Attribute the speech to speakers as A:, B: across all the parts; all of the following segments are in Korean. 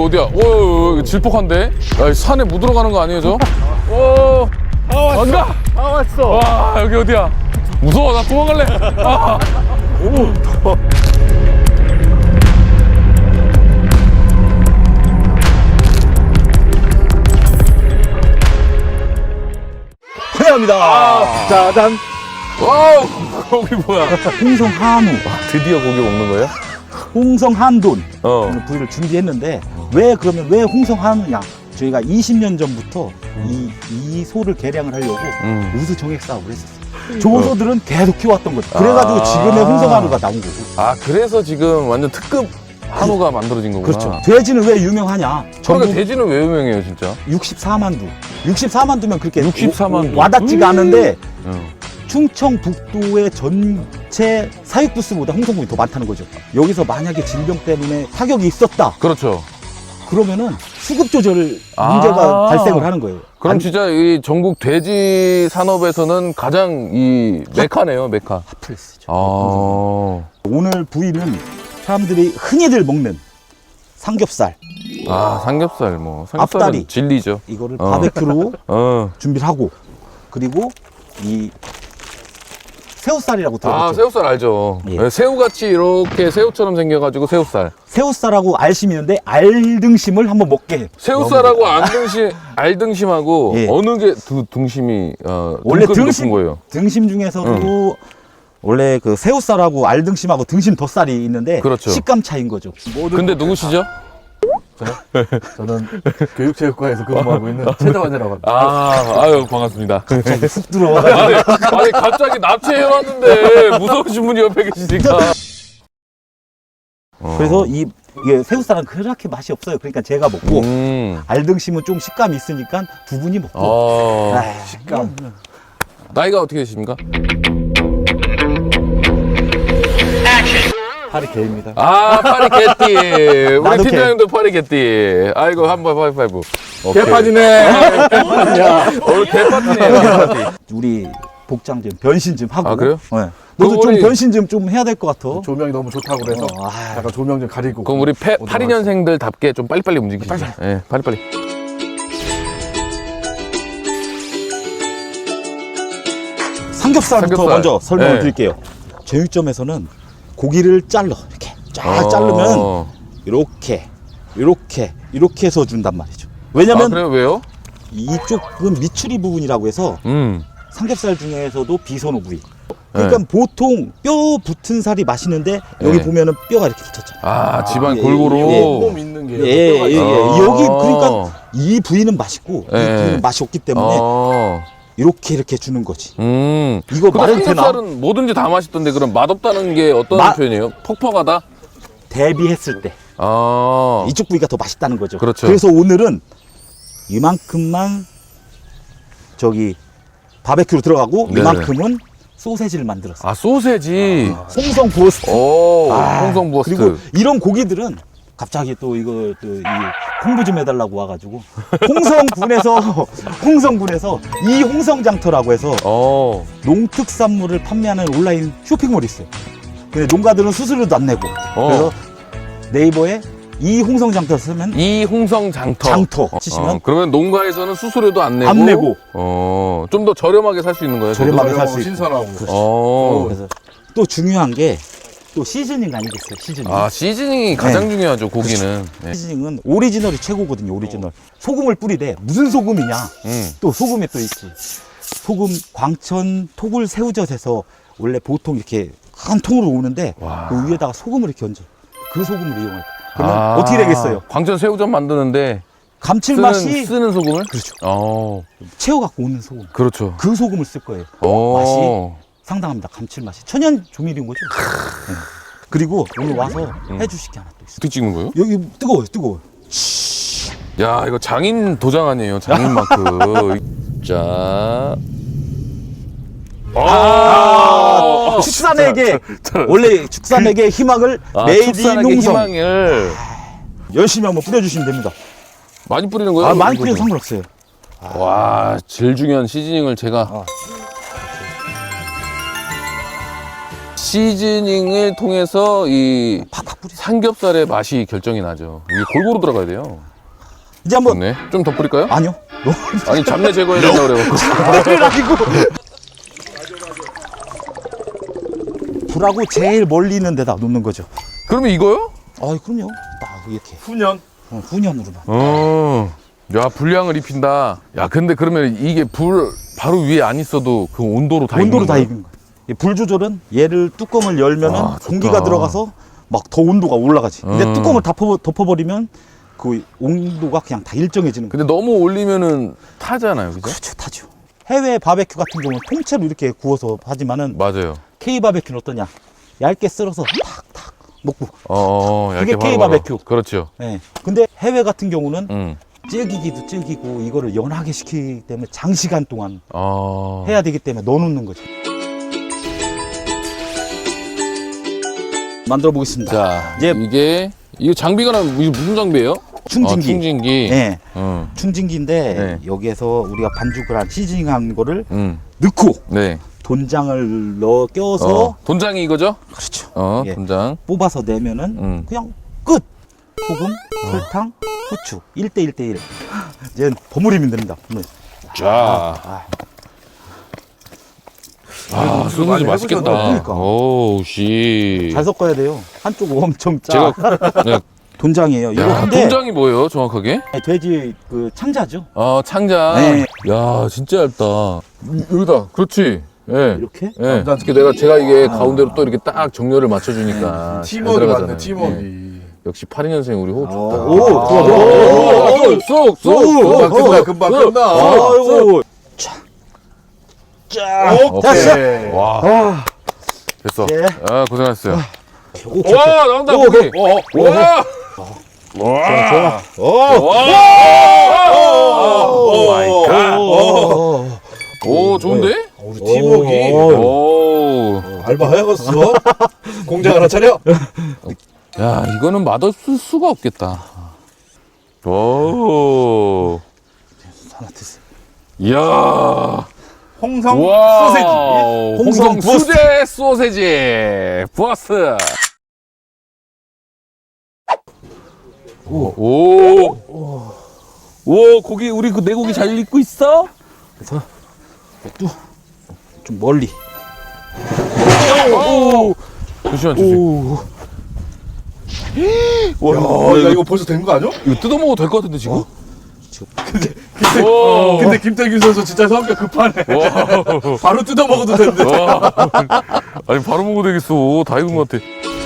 A: 어디야? 오, 질퍽한데? 야, 산에 못 들어가는 거 아니에요, 저? 오,
B: 왔어.
A: 안 가?
B: 왔어.
A: 와, 여기 어디야? 무서워, 나 도망갈래. 아.
B: 오, 더워. 환영합니다. 짜잔.
A: 와우, 거기 뭐야?
C: 홍성 한우,
A: 드디어 고기 먹는 거예요?
C: 홍성 한돈
A: 어.
C: 오늘 부위를 준비했는데 왜 홍성 한우냐? 저희가 20년 전부터 이 소를 개량을 하려고 우수 정액 사업을 했었어요. 조소들은 계속 키워왔던 거죠. 그래가지고 지금의 홍성 한우가 나온 거고.
A: 아, 그래서 지금 완전 특급 한우가 만들어진 거구나.
C: 그렇죠. 돼지는 왜 유명하냐?
A: 그러니까 돼지는 왜 유명해요, 진짜?
C: 64만 두. 64만 두면 그렇게
A: 64만 두.
C: 와닿지가 않은데
A: 응.
C: 충청북도의 전체 사육부수보다 홍성군이 더 많다는 거죠. 여기서 만약에 질병 때문에 타격이 있었다.
A: 그렇죠.
C: 그러면은 수급 조절 문제가 발생을 하는 거예요.
A: 그럼 진짜 이 전국 돼지 산업에서는 가장 이 메카네요, 메카.
C: 핫플레스죠.
A: 아,
C: 오늘 부위는 사람들이 흔히들 먹는 삼겹살,
A: 삼겹살 뭐 삼겹살은
C: 앞다리.
A: 진리죠.
C: 이거를 바베큐로 준비를 하고, 그리고 이 새우살이라고 들어봤죠?
A: 새우살 알죠.
C: 예.
A: 네, 새우같이 이렇게 새우처럼 생겨가지고 새우살.
C: 새우살하고 알심이 있는데 알등심을 한번 먹게 해요.
A: 새우살하고 알등심하고
C: 예.
A: 어느 게 등심이
C: 원래
A: 등급이 높은 거예요?
C: 등심 중에서도 원래 그 새우살하고 알등심하고 등심 덧살이 있는데
A: 그렇죠.
C: 식감 차이인 거죠.
A: 근데 누구시죠?
B: 저는 교육체육과에서 근무하고 있는 최정환이라고 합니다.
A: 아유 반갑습니다.
C: 갑자기 훅 들어와.
A: 아니 갑자기 납치해놨는데 무서우신 분이 옆에 계시니까.
C: 그래서 이게 새우살은 그렇게 맛이 없어요. 그러니까 제가 먹고 알등심은 좀 식감이 있으니까 두 분이 먹고. 식감.
A: 나이가 어떻게 되십니까?
C: 파리 개입니다.
A: 파리 개띠. 우리
C: 나도
A: 팀장님도 파리 개띠. 아이고 한번 파이파이브.
B: 개파지네.
A: 오늘 개파티네요. 개파티.
C: 우리 복장 좀 변신 좀 하고.
A: 그래요?
C: 네. 너도 좀
A: 우리-
C: 변신 좀 해야 될 것 같아.
B: 조명이 너무 좋다고 그래서 약간 조명 좀 가리고.
A: 그럼 우리
B: 오도록
A: 82년생들답게 좀 빨리빨리 움직이시죠. 예, 빨리빨리.
C: 삼겹살부터
A: 삼겹살.
C: 먼저 설명을
A: 네.
C: 드릴게요. 제육점에서는 고기를 잘라 이렇게 쫙 자르면 이렇게 해서 준단 말이죠. 왜냐면
A: 그래요? 왜요?
C: 이쪽은 미추리 부분이라고 해서 삼겹살 중에서도 비선호 부위. 그러니까
A: 네.
C: 보통 뼈 붙은 살이 맛있는데 여기
A: 네.
C: 보면은 뼈가 이렇게 붙었잖아요.
A: 지방
C: 예,
A: 골고루.
B: 몸 있는 게.
C: 여기 그러니까 이 부위는 맛있고 이
A: 네.
C: 부위는 맛이 없기 때문에 이렇게 주는 거지. 이거
A: 근데
C: 말은 되나?
A: 삼겹살은 뭐든지 다 맛있던데 그럼 맛없다는 게 어떤 표현이에요? 퍽퍽하다?
C: 대비했을 때 이쪽 부위가 더 맛있다는 거죠.
A: 그렇죠.
C: 그래서 오늘은 이만큼만 저기 바베큐로 들어가고
A: 네네.
C: 이만큼은 소세지를 만들었어요.
A: 소세지.
C: 홍성 부어스트.
A: 홍성 부어스트.
C: 그리고 이런 고기들은 갑자기 또 이 홍보 좀 해달라고 와가지고 홍성군에서 이 홍성장터라고 해서 농특산물을 판매하는 온라인 쇼핑몰이 있어요. 근데 농가들은 수수료도 안 내고 그래서 네이버에 이 홍성장터 쓰면
A: 이 홍성장터.
C: 장터 치시면
A: 그러면 농가에서는 수수료도 안 내고 좀 더 저렴하게 살 수 있는 거예요?
C: 저렴하게 살 수 있고.
B: 신선하고.
C: 그래서 또 중요한 게 또 시즈닝 아니겠어요? 시즈닝.
A: 시즈닝이 가장 중요하죠, 고기는. 네.
C: 시즈닝은 오리지널이 최고거든요. 오리지널. 소금을 뿌리되 무슨 소금이냐? 또 소금이 또 있지. 소금 광천 토굴 새우젓에서 원래 보통 이렇게 큰 통으로 오는데 그 위에다가 소금을 이렇게 얹어. 그 소금을 이용할 거야. 그러면 어떻게 되겠어요?
A: 광천 새우젓 만드는데
C: 감칠맛이
A: 쓰는 소금을?
C: 그렇죠. 채워갖고 오는 소금.
A: 그렇죠.
C: 그 소금을 쓸 거예요. 맛이 상당합니다. 감칠맛이. 천연 조미료인 거죠. 네. 그리고 오늘 와서 해주실 게 하나 또 있어요.
A: 어떻게 찍는 거예요?
C: 여기 뜨거워요.
A: 야, 이거 장인 도장 아니에요, 장인 마크. 자.
C: 축산에게 원래 축산에게 희망을 메이드 인 홍성
A: 희망을
C: 열심히 한번 뿌려주시면 됩니다.
A: 많이 뿌리는 거예요?
C: 많이 뿌려도 상관없어요.
A: 와, 제일 중요한 시즈닝을 제가 시즈닝을 통해서 이
C: 팍팍 뿌리세요.
A: 삼겹살의 맛이 결정이 나죠. 이게 골고루 들어가야 돼요.
C: 이제 한번
A: 좋네. 좀 더 뿌릴까요?
C: 아니요.
A: 아니 잡내 제거해야 된다 그래갖고.
C: 잡내를 아니고 불하고 제일 멀리 있는 데다 놓는 거죠.
A: 그러면 이거요?
C: 아, 그럼요. 딱 이렇게
B: 훈연.
C: 훈연으로만.
A: 야, 불량을 입힌다. 야, 근데 그러면 이게 불 바로 위에 안 있어도 그 온도로 다
C: 온도로
A: 익는
C: 다
A: 거야?
C: 익은 거예요. 이 불 조절은 얘를 뚜껑을 열면은
A: 아, 좋다.
C: 공기가 들어가서 막 더 온도가 올라가지. 근데
A: 음.
C: 뚜껑을 덮어버리면 그 온도가 그냥 다 일정해지는 거예요.
A: 근데 너무 올리면은 타잖아요, 그죠?
C: 그렇죠, 타죠. 해외 바베큐 같은 경우는 통째로 이렇게 구워서 하지만은
A: 맞아요.
C: K 바베큐는 어떠냐? 얇게 썰어서 탁탁 먹고.
A: 얇게
C: 그게 K
A: 바로바로.
C: 바베큐.
A: 그렇죠.
C: 네. 근데 해외 같은 경우는
A: 음.
C: 질기기도 질기고 이거를 연하게 시키기 때문에 장시간 동안
A: 어.
C: 해야 되기 때문에 넣어놓는 거죠. 만들어 보겠습니다.
A: 자,
C: 이제
A: 이게 장비가 이게 무슨 장비예요?
C: 충진기.
A: 충진기.
C: 네.
A: 어.
C: 충진기인데
A: 네.
C: 여기에서 우리가 반죽을 한 시즈닝한 거를
A: 음.
C: 넣고
A: 네.
C: 돈장을 껴서
A: 돈장이 이거죠?
C: 그렇죠. 예.
A: 돈장.
C: 뽑아서 내면은 그냥 끝. 소금, 설탕, 후추 1대1대1. 이제 버무리면 됩니다. 버무리.
A: 자. 소시지
B: 많이
A: 맛있겠다.
C: 그러니까.
A: 오우, 씨.
C: 잘 섞어야 돼요. 한쪽 엄청 짜.
A: 제가, 네.
C: 돈장이에요. 이거
A: 야,
C: 근데
A: 돈장이 뭐예요, 정확하게?
C: 돼지 그 창자죠.
A: 창장.
C: 네.
A: 야, 진짜 얇다. 여기다. 그렇지. 예.
C: 이렇게.
A: 예. 특히 제가 이게 가운데로 또 이렇게 딱 정렬을 맞춰주니까. 잘
B: 팀워크
A: 들어가잖아요.
B: 맞네, 팀워크.
A: 예. 역시 82년생 우리 호흡 좋다.
C: 오, 좋아, 좋아.
A: 쏙.
B: 금방 끝나.
C: 아이고.
B: 오케이.
A: 와. 됐어.
C: 네.
A: 아, 고생하셨어요.
C: 오,
A: 와, 나온다,
C: 오,
A: 고기. 와!
C: 좋아.
A: 오 마이 갓. 오, 좋은데?
B: 우리 팀워크.
A: 오.
B: 알바 해야겠어. 공장 하나 차려.
A: 야, 이거는 맛없을 수가 없겠다. 오.
C: 하나 드세요.
A: 이야.
B: 홍성
A: 와.
B: 소세지.
A: 홍성
C: 부어스.
A: 수제 소세지. 부어스. 오. 오, 고기, 우리 그 내 고기 잘 익고 있어?
C: 그래서 또 좀 멀리.
A: 오. 조심한, 조심. 와,
B: 야, 이거 벌써 된 거 아니야?
A: 이거 뜯어먹어도 될 것 같은데, 지금?
B: 근데 김태균 선수 진짜 성격 급하네.
A: 와.
B: 바로 뜯어 먹어도 되는데.
A: 와. 아니, 바로 먹어도 되겠어. 다 익은 것 같아.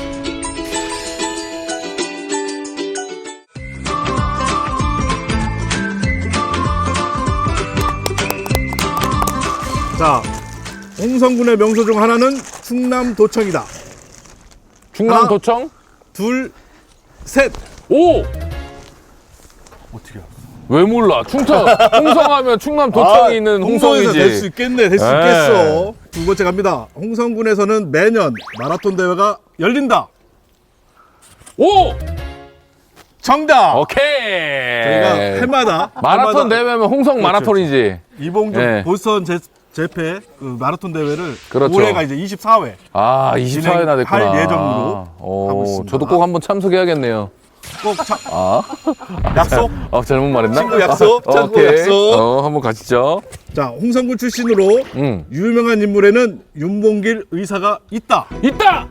B: 자, 홍성군의 명소 중 하나는 충남도청이다.
A: 충남도청?
B: 둘, 셋.
A: 오!
B: 어떻게 알아?
A: 왜 몰라? 홍성하면 충남도청이 있는
B: 홍성에서 될 수
A: 홍성이지.
B: 있겠네. 될 수
A: 네.
B: 있겠어. 두 번째 갑니다. 홍성군에서는 매년 마라톤 대회가 열린다.
A: 오!
B: 정답.
A: 오케이.
B: 저희가 해마다
A: 마라톤 대회면 홍성 마라톤이지.
B: 이봉준
A: 네.
B: 보스턴 재패 그 마라톤 대회를
A: 그렇죠.
B: 올해가 이제 24회.
A: 아, 24회나 됐구나.
B: 진행할 예정으로 하고 있습니다.
A: 저도 꼭 한번 참석해야겠네요.
B: 꼭
A: 아,
B: 약속.
A: 잘못 말했나?
B: 친구 약속, 친구
A: 오케이.
B: 약속.
A: 한번 가시죠.
B: 자, 홍성군 출신으로 유명한 인물에는 윤봉길 의사가 있다.
A: 있다!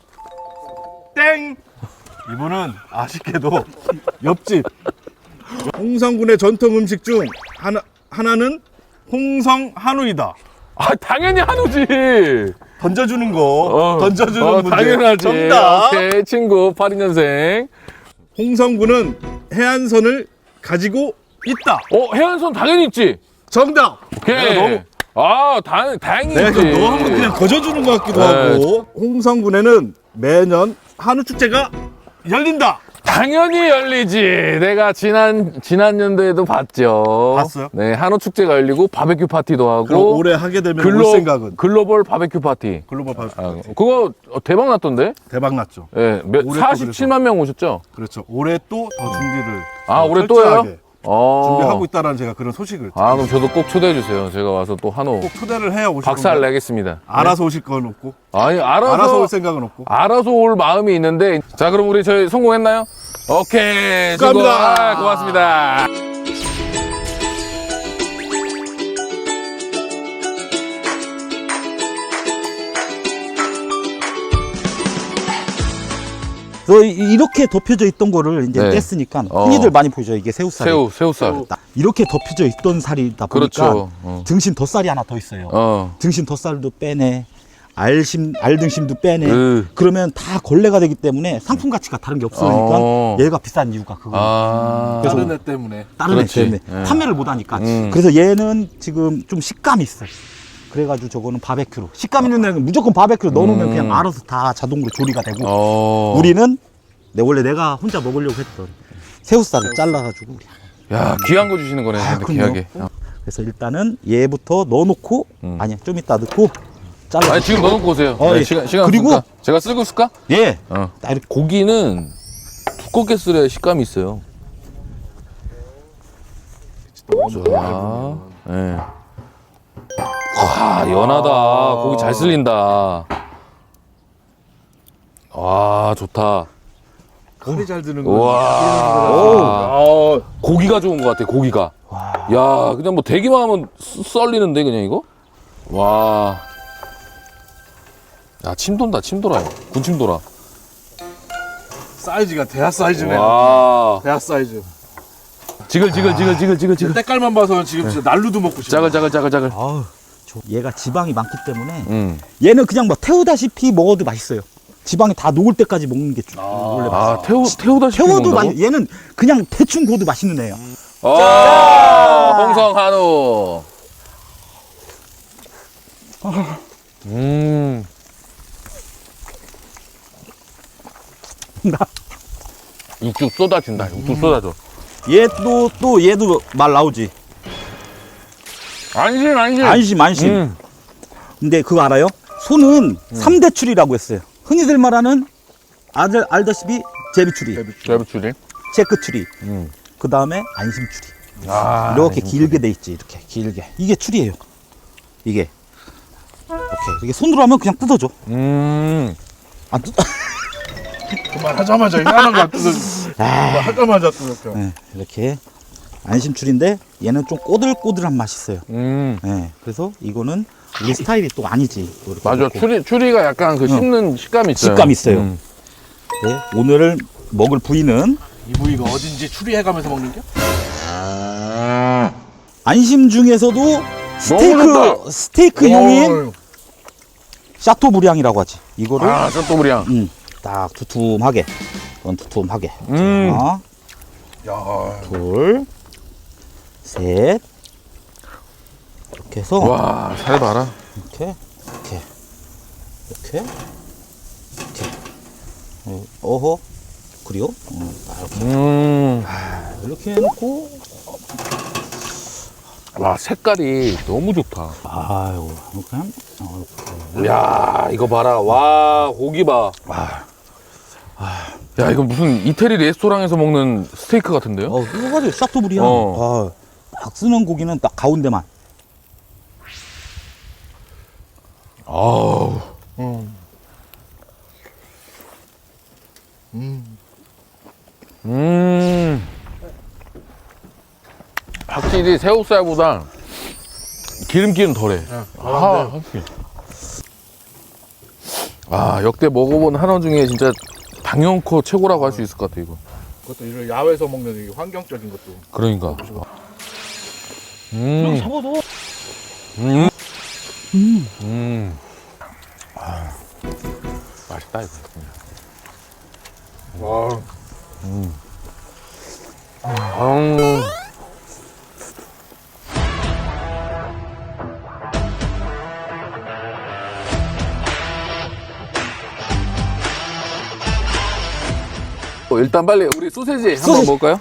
B: 땡. 이분은 아쉽게도 옆집. 홍성군의 전통 음식 중 하나는 홍성 한우이다.
A: 아, 당연히 한우지.
B: 던져주는 거. 던져주는 문제.
A: 당연하지.
B: 정답.
A: 오케이, 친구, 82년생.
B: 홍성군은 해안선을 가지고 있다.
A: 해안선 당연히 있지.
B: 정답.
A: 오케이.
B: 내가 너무
A: 다행히
B: 내가
A: 있지.
B: 너 한번 그냥 거저주는 것 같기도
A: 네.
B: 하고. 홍성군에는 매년 한우 축제가 열린다.
A: 당연히 열리지. 내가 지난 연도에도 봤죠.
B: 봤어요?
A: 네, 한우 축제가 열리고 바베큐 파티도
B: 그럼
A: 하고.
B: 올해 하게 되면 올 생각은
A: 글로벌 바베큐 파티.
B: 글로벌 바베큐
A: 그거 대박 났던데?
B: 대박 났죠.
A: 예,
B: 올해 또
A: 47만 명 오셨죠?
B: 그렇죠. 올해 또 더 준비를
A: 올해
B: 철저하게.
A: 또요?
B: 준비하고 있다라는 제가 그런 소식을
A: 아, 그럼 저도 꼭 초대해 주세요. 제가 와서 또 한우
B: 꼭 초대를 해야 오실
A: 박살
B: 건가요?
A: 내겠습니다.
B: 알아서 오실 건 없고
A: 아니,
B: 알아서 올 생각은 없고
A: 알아서 올 마음이 있는데. 자, 그럼 우리 저희 성공했나요? 오케이. 수고.
B: 축하합니다.
A: 고맙습니다.
C: 이렇게 덮여져 있던 거를 이제
A: 네.
C: 뗐으니까 흔히들 많이 보죠. 이게 새우살이.
A: 새우살.
C: 이렇게 덮여져 있던 살이다 보니까
A: 그렇죠.
C: 등심 덧살이 하나 더 있어요. 등심 덧살도 빼내. 알등심도 빼내. 그러면 다 걸레가 되기 때문에 상품 가치가 다른 게 없으니까 얘가 비싼 이유가 그거.
B: 다른 애 때문에
C: 다른 애
A: 그렇지.
C: 때문에
A: 예.
C: 판매를 못 하니까. 그래서 얘는 지금 좀 식감이 있어요. 그래가지고 저거는 바베큐로. 식감 있는 애는 무조건 바베큐로 넣어놓으면 그냥 알아서 다 자동으로 조리가 되고. 우리는 원래 내가 혼자 먹으려고 했던 새우살을 잘라가지고.
A: 야, 귀한 거 주시는 거네. 근데
C: 그럼요.
A: 귀하게.
C: 그래서 일단은 얘부터 넣어놓고 아니야 좀 이따 넣고 잘라.
A: 아니, 지금 넣어놓고 오세요.
C: 예.
A: 시간
C: 그리고
A: 없으니까. 제가 쓸고 있을까?
C: 예.
A: 어.
C: 딱 이렇게
A: 고기는 두껍게 쓸어야 식감이 있어요. 자, 예. 와, 연하다. 고기 잘 쓸린다. 와, 좋다.
B: 칼이 잘 드는 거.
A: 와, 고기가 좋은 것 같아. 고기가. 야, 그냥 뭐 대기만 하면 썰리는데 그냥 이거. 와, 야, 침 돈다. 침 돌아요. 군침 돌아.
B: 사이즈가 대하 사이즈네.
A: 와,
B: 대하 사이즈.
A: 지글.
B: 때깔만 봐서는 지금 진짜 날루도 먹고 싶어.
A: 짜글.
C: 아우, 얘가 지방이 많기 때문에 얘는 그냥 뭐 태우다시피 먹어도 맛있어요. 지방이 다 녹을 때까지 먹는 게 원래 맛있어요.
A: 태우다시피
C: 태워도
A: 먹는다고?
C: 얘는 그냥 대충 구워도 맛있는 애예요.
A: 홍성 한우. 육즙 쏟아진다. 육즙 쏟아져.
C: 얘도 말 나오지. 안심. 근데 그거 알아요? 소는 삼 3대 추리라고 했어요. 흔히들 말하는 알다시피 제비추리,
A: 제비추리.
C: 체크추리, 그 다음에 안심추리. 이렇게 길게 돼 있지. 이렇게 길게. 이게 추리예요. 이게. 이렇게 손으로 하면 그냥 뜯어져. 안 뜯어.
B: 그만하자마자 이거 하나가 안 뜯어져. 하자마자 뜯어져.
C: 네, 이렇게 안심추리인데 얘는 좀 꼬들꼬들한 맛이 있어요. 네, 그래서 이거는 우리 스타일이 또 아니지. 또 이렇게
A: 맞아.
C: 넣고.
A: 추리가 약간 그 씹는 식감이 있어요.
C: 식감이 있어요. 네, 오늘 먹을 부위는
B: 이 부위가 어딘지 추리해가면서 먹는 게?
C: 안심 중에서도 스테이크용인 샤토브리앙이라고 하지. 이거를
A: 샤토브리앙.
C: 딱 두툼하게. 이건 두툼하게. 하나,
B: 야,
C: 둘, 셋. 이렇게 해서
A: 와, 살 봐라.
C: 이렇게. 어허. 그리고 딱 이렇게 해놓고.
A: 와, 색깔이 너무 좋다.
C: 아이고, 이렇게.
A: 야, 이거 봐라. 와, 고기 봐. 야, 이거 무슨 이태리 레스토랑에서 먹는 스테이크 같은데요?
C: 이거 가지고 샤토브리앙. 딱 쓰는 고기는 딱 가운데만.
A: 아우. 확실히 새우살보다 기름기는 덜해. 확실히. 역대 먹어본 한우 중에 진짜 당연코 최고라고 할 수 있을 것 같아, 이거.
B: 그것도 이런 야외에서 먹는 이 환경적인 것도.
A: 그러니까.
C: 잡아도.
A: 맛있다, 이거.
B: 와,
A: 일단 빨리 우리 소세지 한번 먹을까요?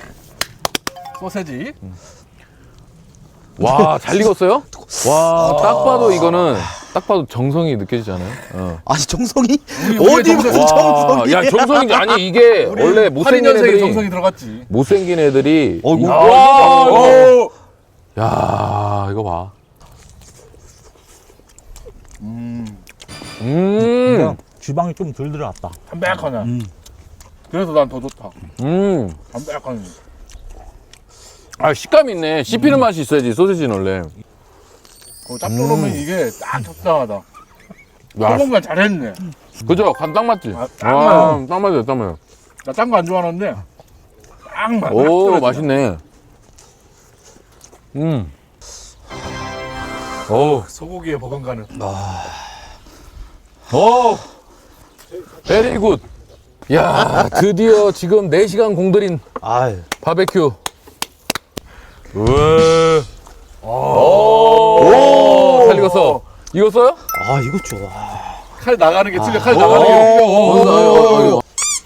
B: 소세지.
A: 와, 잘 익었어요? 와, 딱 봐도 이거는 딱 봐도 정성이 느껴지지 않아요?
C: 아니 정성이
B: 우리의
C: 어디 무슨
B: 정성.
C: 정성이?
A: 야, 정성이지. 아니, 이게 원래 못생긴
B: 82년생의
A: 애들이,
B: 정성이 들어갔지.
A: 못생긴 애들이.
C: 어이구.
A: 야, 이거 봐.
C: 그냥 지방이 좀 덜 들어갔다.
B: 담백하네. 그래서 난 더 좋다. 담백하네.
A: 아, 식감이 있네. 씹히는 맛이 있어야지, 소시지는 원래.
B: 짭조름은 이게 딱 적당하다.
A: 야,
B: 소금간 잘했네.
A: 그죠? 간 딱 맞지?
B: 아, 딱 맞아.
A: 딱 맞아요, 딱 맞아요.
B: 나 짠 거 안 좋아하는데 딱 맞아.
A: 오, 맛있네. 오,
B: 소고기에 버금가는.
A: 오, 베리 굿. 야, 드디어 지금 4시간 공들인
C: 아유.
A: 바베큐. 오, 잘 익었어. 익었어요?
C: 아 이거 좋아.
B: 칼 나가는 게 틀려. 칼 나가는 게 틀려.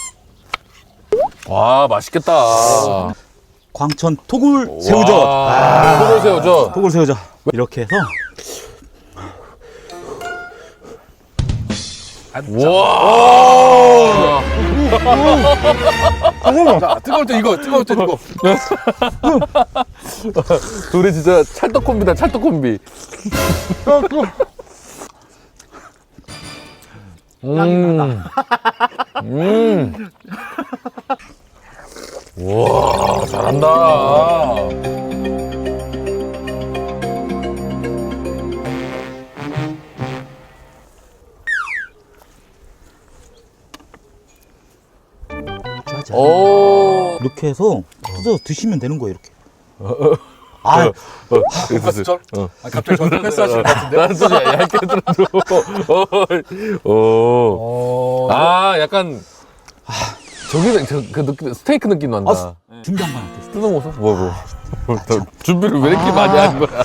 A: 와, 맛있겠다.
C: 광천 토굴 새우젓.
A: 토굴 새우젓.
C: 토굴 새우젓. 이렇게 해서
A: 와.
B: 자, 뜨거울 때 이거, 뜨거울 때 이거.
A: 둘이 진짜 찰떡 콤비다, 찰떡 콤비. 와, 잘한다.
C: 짜잔.
A: 오.
C: 이렇게 해서 뜯어 드시면 되는 거예요 이렇게. 아
B: 패스절? 아, 갑자기 저한테 패스하실 것 같은데?
A: 나는 또 얇게 들어줘. 오. 아, 약간. 저기, 그 느낌, 스테이크 느낌 난다.
C: 준비한 거 같아.
A: 뜯어 먹었어? 뭐. 준비를 왜 이렇게 많이 한 거야?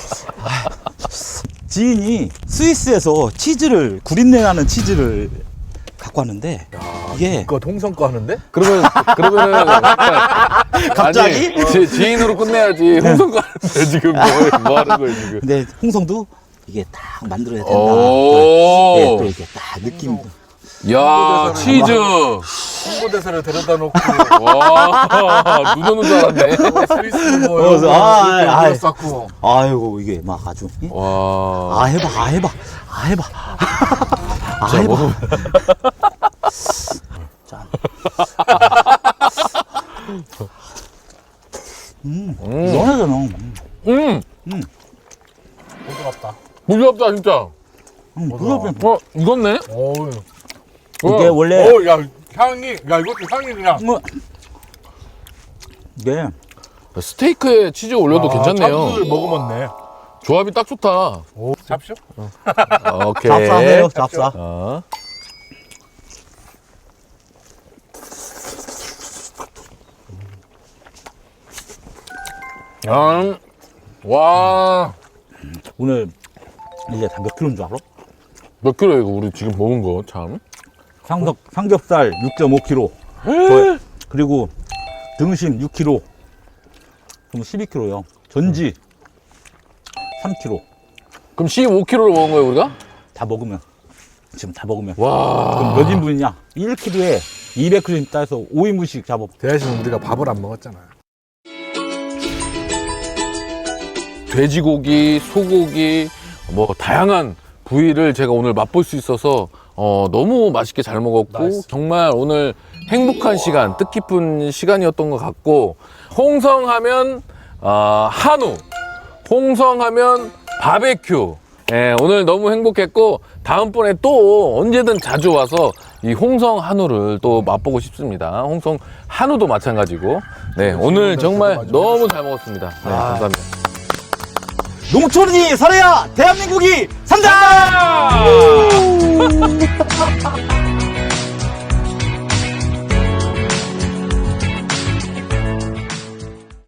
C: 지인이 스위스에서 치즈를 구린내 나는 치즈를 갖고 왔는데 이게
B: 그거 동성 거 하는데?
A: 그러면은.
C: 갑자기?
A: 아니, 지인으로 끝내야지. 홍성가 하는데 지금 뭐 하는 거야, 지금.
C: 근데 홍성도 이게 딱 만들어야 된다.
A: 오.
C: 예, 또 이게 딱 느낌.
A: 야, 치즈.
B: 홍보대사를 데려다 놓고
A: 와, 눈 오는 줄 알았네.
B: 스위스 뭐
C: 아, 아이고 이게 막 아주. 예?
A: 와.
C: 아 해봐. 아 해봐.
A: 자, 먹으면.
C: 짠. 시원하잖아.
B: 부드럽다.
A: 부드럽다, 진짜.
C: 부드럽게.
A: 익었네?
B: 어우.
C: 이게 원래
B: 야, 향이, 야, 이것도 향이 그냥.
C: 이게
A: 스테이크에 치즈 올려도 괜찮네요.
B: 참치를 먹으면
A: 조합이 딱 좋다.
B: 오, 잡쇼?
A: 오케이.
C: 쌉싸해요, 쌉싸.
A: 어. 와.
C: 오늘 이게 다 몇 킬로인 줄 알아?
A: 몇 킬로야, 이거 우리 지금 먹은 거, 참.
C: 삼겹살 6.5kg. 그리고 등심 6kg. 그럼 12kg요. 전지 3kg.
A: 그럼 15킬로를 먹은 거예요, 우리가?
C: 다 먹으면. 지금 다 먹으면.
A: 와.
C: 그럼 몇 인분이냐? 1kg에 200g 따서 5인분씩 잡아.
B: 대신 우리가 밥을 안 먹었잖아.
A: 돼지고기, 소고기, 뭐 다양한 부위를 제가 오늘 맛볼 수 있어서 너무 맛있게 잘 먹었고
B: 나이스.
A: 정말 오늘 행복한 시간, 뜻깊은 시간이었던 것 같고 홍성하면 한우, 홍성하면 바베큐. 예, 오늘 너무 행복했고 다음번에 또 언제든 자주 와서 이 홍성 한우를 또 맛보고 싶습니다. 홍성 한우도 마찬가지고. 네, 오늘 정말 너무 잘 먹었습니다. 네, 감사합니다.
C: 농촌이 살아야 대한민국이